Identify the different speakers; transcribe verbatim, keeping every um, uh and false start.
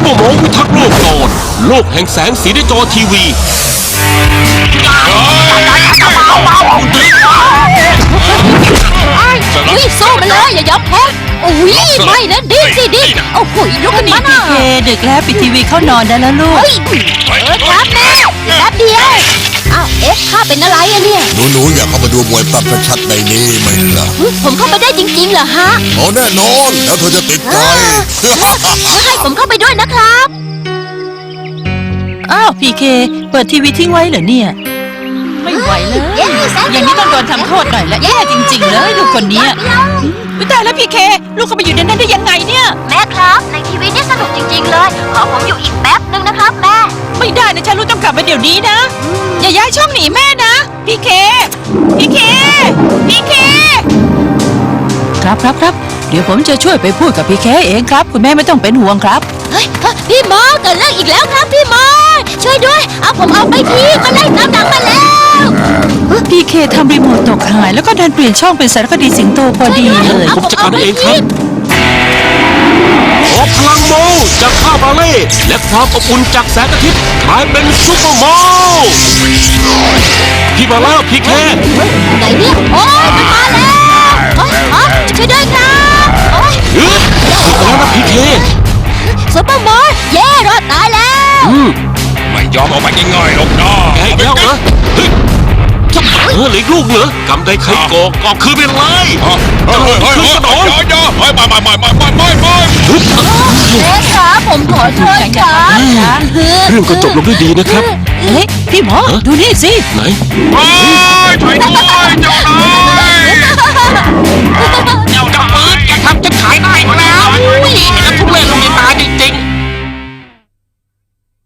Speaker 1: ปอร์โมพิทักษ์โลกตอนโลกแห่งแสงสีในจอทีวี
Speaker 2: อุ้ยสู้มาเลยอย่ายอมแพ้อุ้ยไม่นะดิ้นสิดิ้นโอ้โหลุกขึ้น
Speaker 3: นี่
Speaker 2: มาหน่
Speaker 3: พี
Speaker 2: อย
Speaker 3: เคดึกแล้วปิดทีวีเข้านอนได้แล้วลูก
Speaker 2: เฮ้ยเออครับแม่แป๊บเดียวอ้าวเอ๊ะข้าเป็นอะไรอะเนี่ย
Speaker 4: หนูๆอยากเข้ามาดูมวยปรับชัดๆในนี้ไหมล่ะ
Speaker 2: ผมเข้าไปได้จริงๆเหรอฮะ
Speaker 4: เอาแน่นอนแล้วเธอจะติดใจ
Speaker 2: ให้ผมเข้าไปด้วยนะครับ
Speaker 3: อ้าวพีเคเปิดทีวีทิ้งไว้เหรอเนี่ยไม่ไหวเลย
Speaker 2: เย้แสน
Speaker 3: อย่างนี้ต้องโดนทำโทษหน่อยละแย่จริงๆเลยลูกคนเนี้ยอุ๊ยตายแล้วพีเคลูกเข้าไปอยู่ในนั้นได้ยังไงเนี่ย
Speaker 2: แม่ครับในทีวีนี่สนุกจริงๆเลยขอผมอยู่อีกแป๊บนึงนะครับแม่
Speaker 3: ไม่ได้นะฉันลูกต้องกลับมาเดี๋ยวนี้นะอย่าย้ายช่องหนีแม่นะพีเคพีเคพีเคครับครับครับเดี๋ยวผมจะช่วยไปพูดกับพีเคเองครับคุณแม่ไม่ต้องเป็นห่วงครับ
Speaker 2: เฮ้ยพี่หมอเกิดเรื่องอีกแล้วครับพี่หมอช่วยด้วยเอาผมเอาไปทีมาไล่ตามหลังมาแล้ว
Speaker 3: พีเคทำรีโมทตกหายแล้วก็ดันเปลี่ยนช่องเป็นสารคดีสิงโตพอดีเลย
Speaker 1: ผมจัดการเองครับขอพลังโมจากข้าวบาเล่และความอบอุ่นจากแสงอาทิตย์กลายเป็นซุปเปอร์โมพี่มาแล้วพี่แค่
Speaker 2: ไหนเนี่ยโอ้ยมันมาแล้วโอ้ยอ๋อช่วยด้วยครับโอ้ย
Speaker 1: ฮึดสุดแล้วนะพี่เค
Speaker 2: ซุปเปอร์มอสเย่รอดตายแล้ว
Speaker 1: อืม
Speaker 5: ไม่ยอมออกไปง่ายๆหรอกนะ
Speaker 1: แกอีกแล้วเหรอเฮ้ยจะเออเหลืออีกลูกเหรอกำได้ใครก่อกอบคืนไปเลย
Speaker 5: เฮ้ยเฮ้ยเฮ้ยเฮ้ยเฮ้ยอย่าอย่าเฮ้ยไม่ไม่ไม่ไม่ไม่ไม่ไม่
Speaker 1: ฮึด
Speaker 2: เอ๊ะครับผมขอโทษครับ
Speaker 1: เรื่องก็จบลงด้วยดีนะครับ
Speaker 3: เฮ้ยพี่หมอดูนี่สิ
Speaker 1: ไหน
Speaker 5: เฮ้ยช่วยด้วยเจ้านายเจ้าจับปืนแกทำจะขายได้มาแล้วนี่มันทุเรศลงในตาจริง